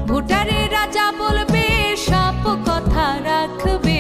ভোটারের রাজা বলবে সব কথা রাখবে,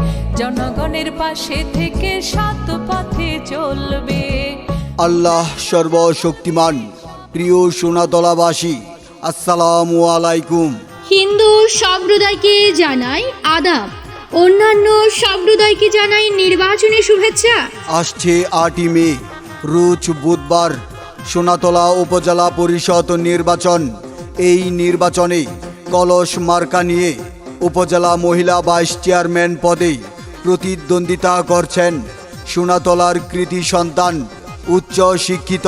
জনগণের পাশে থেকে সৎ পথে চলবে। আল্লাহ সর্বশক্তিমান। প্রিয় সোনাতলাবাসী, আসসালামু আলাইকুম। হিন্দু সম্প্রদায়কে জানাই আদাব, অন্যান্য সম্প্রদায়কে জানাই নির্বাচনী শুভেচ্ছা। আসছে 8ই মে, রোজ বুধবার সোনাতলা উপজেলা পরিষদ নির্বাচন। এই নির্বাচনে কলস মার্কা নিয়ে উপজেলা মহিলা ভাইস চেয়ারম্যান পদে প্রতিদ্বন্দ্বিতা করছেন সোনাতলার কৃতি সন্তান, উচ্চ শিক্ষিত,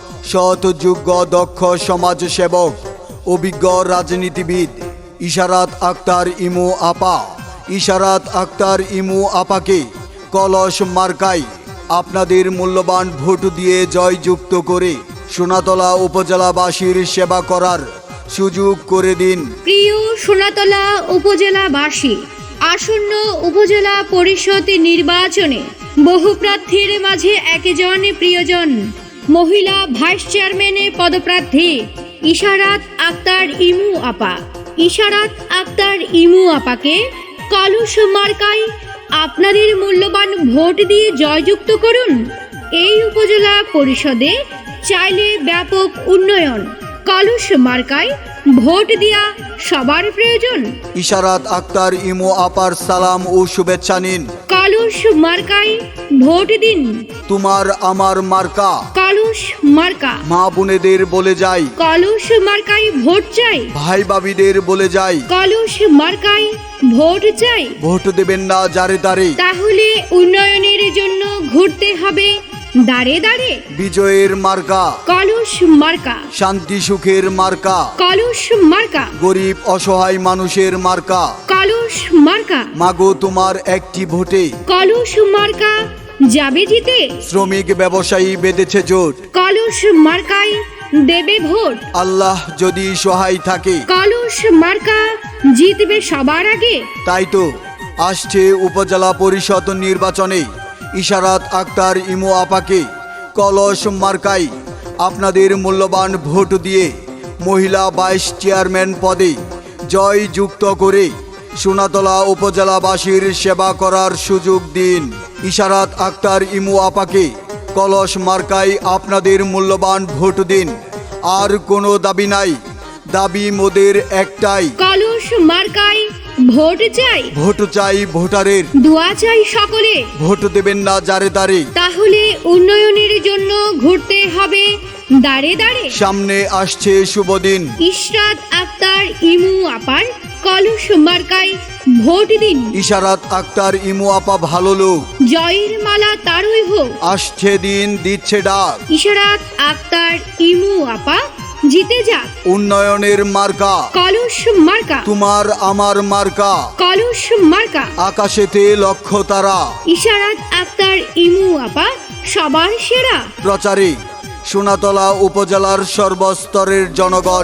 সৎ, যোগ্য, দক্ষ সমাজসেবক, অভিজ্ঞ রাজনীতিবিদ ইশারাত আক্তার ইমু আপা। ইশারাত আক্তার ইমু আপাকে কলস মার্কায় আপনাদের মূল্যবান ভোট দিয়ে জয়যুক্ত করে সোনাতলা উপজেলাবাসীর সেবা করার সুযোগ করে দিন। প্রিয় সোনাতলা উপজেলাবাসী, আসন্ন উপজেলা পরিষদ নির্বাচনে বহু প্রার্থীর মাঝে একজন প্রিয়জন মহিলা ভাইস চেয়ারম্যানের পদপ্রার্থী ইশারাত আক্তার ইমু আপা। ইশারাত আক্তার ইমু আপাকে কলস মার্কায় আপনাদের মূল্যবান ভোট দিয়ে জয়যুক্ত করুন। এই উপজেলা পরিষদে চাইলে ব্যাপক উন্নয়ন, কলস মার্কায় ভোট দেয়া সবার প্রয়োজন। ইশারাত আক্তার ইমু আপার সালাম ও শুভেচ্ছা নিন। কলস মার্কায় ভোট দিন। তোমার আমার মার্কা। কলস মার্কা। মা বোনেদের বলে যাই, কলস মার্কায় ভোট চাই। ভাই ভাবিদের বলে যাই, কলস মার্কায় ভোট চাই। ভোট দেবেন না যারে তারে, তাহলে উন্নয়নের জন্য ঘুরতে হবে দাঁড়ে দাঁড়ে। বিজয়ের মার্কা কলস মার্কা। শান্তি সুখের মার্কা, কলস মার্কা। গরিব অসহায় মানুষের মার্কা। কলস মার্কা। মাগো তোমার একটি ভোটে কলস মার্কা যাবে জিতে। শ্রমিক ব্যবসায়ী বেঁধেছে জোট, কলস মার্কায় দেবে ভোট। আল্লাহ যদি সহায় থাকে, কলস মার্কা জিতবে সবার আগে। তাই তো আসছে উপজেলা পরিষদ নির্বাচনে ইশারাত আক্তার ইমু আপাকে কলস মার্কায় আপনাদের মূল্যবান ভোট দিয়ে মহিলা ভাইস চেয়ারম্যান পদে জয়যুক্ত করে সোনাতলা উপজেলাবাসীর সেবা করার সুযোগ দিন। ইশারাত আক্তার ইমু আপাকে কলস মার্কায় আপনাদের মূল্যবান ভোট দিন। আর কোনো দাবি নাই, দাবি মোদের একটাই, কলস মার্কায় ভোট চাই। ভোট চাই ভোটারের, দোয়া চাই সকলে। ভোট দেবেন না যারে তারে, তাহলে উন্নয়নের জন্য ঘুরতে হবে দাঁড়ে দাঁড়ে। সামনে আসছে শুভ দিন। ইশরাত আক্তার ইমু আপার কলস মার্কায় ভোট দিন। ইশারাত আক্তার ইমু আপা ভালো লোক, জয়ের মালা তারই হোক। আসছে দিন দিচ্ছে ডাক, ইশরাত আক্তার ইমু আপা জিতে যাক। উন্নয়নের মার্কা কলস মার্কা। তোমার আমার মার্কা, কলস মার্কা। আকাশেতে লক্ষ্য তারা। ইশারাত আক্তার ইমু আপা সবার সেরা। প্রচারে সোনাতলা উপজেলার সর্বস্তরের জনগণ।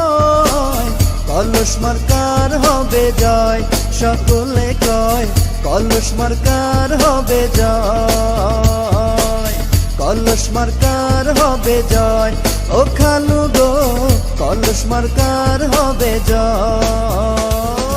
কলস মার্কার হবে জয়, সকলে কয় কলস মার্কার হবে জয়। কলস মার্কার হবে জয়, ও খালু গো কলস মার্কার হবে জয়।